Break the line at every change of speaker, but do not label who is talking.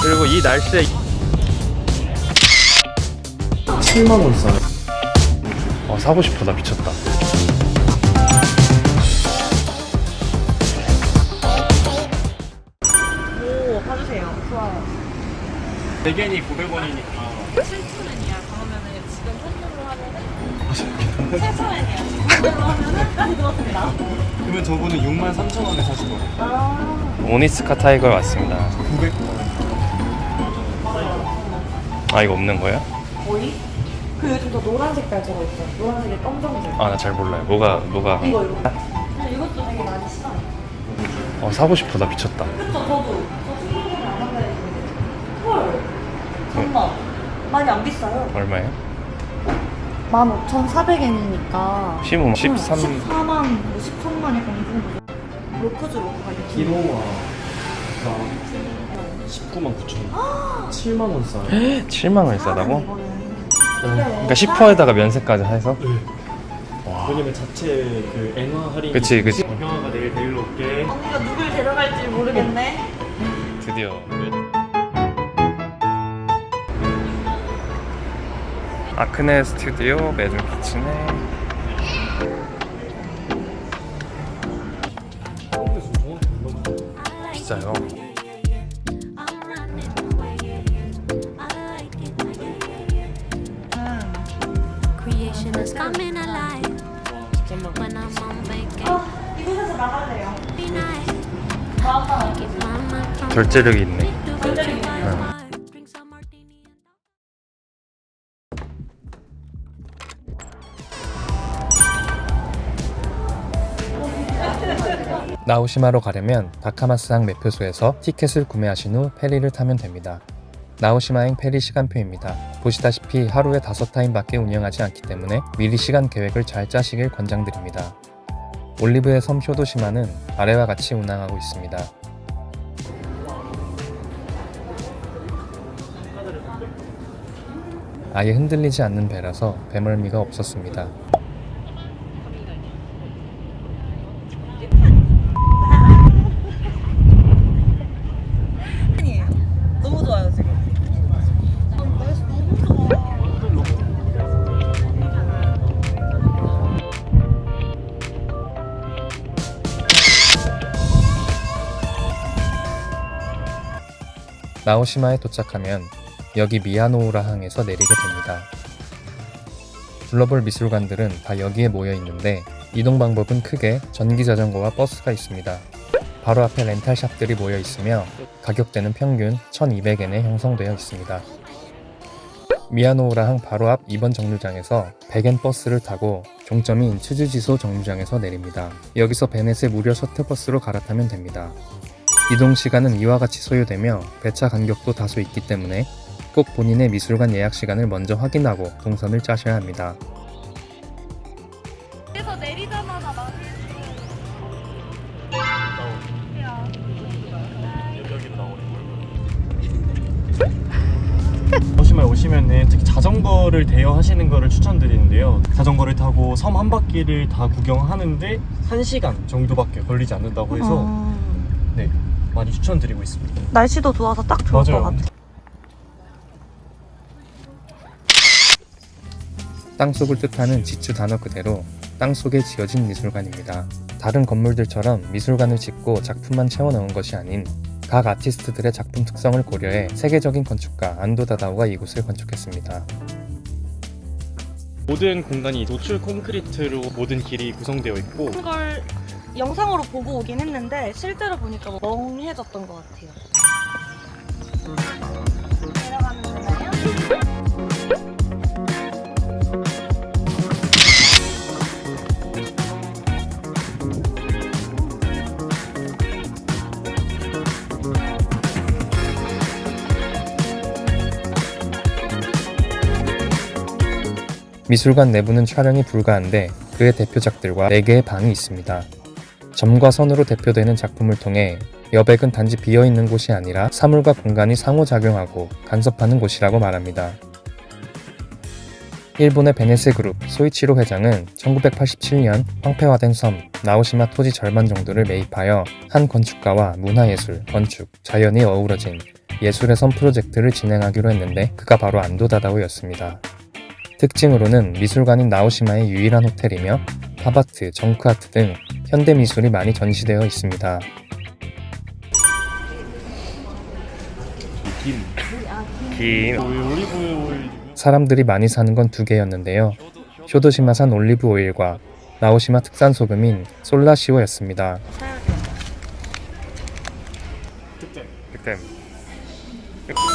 그리고 이 날씨에
7만원 싸요.
사고 싶어. 나 미쳤다.
오, 봐주세요. 좋아요.
대견이 900원이니까
7,000원이야. 그러면은 지금 현금으로 하면은 7,000원이야. 지금 현금으로 하면은 까지 들었습니다.
그러면 저분은 63,000원에 사실 거예요.
오니스카 타이거에 왔습니다.
900원.
아, 이거 없는 거야?
거의? 그 요즘 더 노란 색깔 저거 있죠? 노란색에 검정색.
아, 나 잘 몰라요. 뭐가
이거. 근데 이것도 되게 많이 싫어요.
사고 싶어. 나 미쳤다.
그쵸, 저도. 저 친구들이랑 안 한다 했는데. 헐. 정말. 많이 안 비싸요.
얼마예요?
15,400엔이니까.
13
14만, 뭐 13만 약간 이 정도. 로크즈 로크가 이렇게.
기노와 199,000원. 7만원 싸요.
7만 원이 싸다고?
이거는.
그러니까 10%에다가 면세까지 해서?
네. 왜냐면 자체 그 엔화 할인.
그치.
형아가 내일 데리러 올게.
언니가 누굴 데려갈지 모르겠네.
드디어 아크네 스튜디오 매점 키친에 비싸요.
Creation is coming alive when I'm on vacation.
이곳에서 나갈래요.
Be nice.
마음만
Keep my mind from
결제력이 있네.
the
결제력이
my
있네요.
heart. Drink some martini and
나오시마로 가려면 다카마스항 매표소에서 티켓을 구매하신 후 페리를 타면 됩니다. 나오시마행 페리 시간표입니다. 보시다시피 하루에 5타임밖에 운영하지 않기 때문에 미리 시간 계획을 잘 짜시길 권장드립니다. 올리브의 섬 쇼도시마는 아래와 같이 운항하고 있습니다. 아예 흔들리지 않는 배라서 배멀미가 없었습니다.
아니에요. 너무 좋아요 지금. 날씨 너무 좋아.
나오시마에 도착하면 여기 미야노우라 항에서 내리게 됩니다. 둘러볼 미술관들은 다 여기에 모여 있는데 이동 방법은 크게 전기자전거와 버스가 있습니다. 바로 앞에 렌탈샵들이 모여 있으며 가격대는 평균 1,200엔에 형성되어 있습니다. 미야노우라 항 바로 앞 2번 정류장에서 100엔 버스를 타고 종점인 츠즈지소 정류장에서 내립니다. 여기서 베넷의 무료 셔틀버스로 갈아타면 됩니다. 이동 시간은 이와 같이 소요되며 배차 간격도 다소 있기 때문에 꼭 본인의 미술관 예약 시간을 먼저 확인하고 동선을 짜셔야 합니다.
그래서 내리자마자 나를.
도시마에 오시면은 특히 자전거를 대여하시는 거를 추천드리는데요. 자전거를 타고 섬 한 바퀴를 다 구경하는데 1시간 정도밖에 걸리지 않는다고 해서 네, 많이 추천드리고 있습니다.
날씨도 좋아서 딱 좋을
맞아요.
것 같아.
땅속을 뜻하는 지츠 단어 그대로 땅속에 지어진 미술관입니다. 다른 건물들처럼 미술관을 짓고 작품만 채워넣은 것이 아닌 각 아티스트들의 작품 특성을 고려해 세계적인 건축가 안도 다다오가 이곳을 건축했습니다.
모든 공간이 노출 콘크리트로 모든 길이 구성되어 있고
그걸 영상으로 보고 오긴 했는데 실제로 보니까 멍해졌던 것 같아요. 내려가면 되나요?
미술관 내부는 촬영이 불가한데 그의 대표작들과 4개의 방이 있습니다. 점과 선으로 대표되는 작품을 통해 여백은 단지 비어있는 곳이 아니라 사물과 공간이 상호작용하고 간섭하는 곳이라고 말합니다. 일본의 베네세 그룹 소이치로 회장은 1987년 황폐화된 섬 나오시마 토지 절반 정도를 매입하여 한 건축가와 문화예술, 건축, 자연이 어우러진 예술의 섬 프로젝트를 진행하기로 했는데 그가 바로 안도다다오였습니다. 특징으로는 미술관인 나오시마의 유일한 호텔이며 팝아트, 정크아트 등 현대미술이 많이 전시되어 있습니다. 사람들이 많이 사는 건 두 개였는데요. 쇼도시마산 올리브 오일과 나오시마 특산 소금인 솔라시오였습니다.
득템.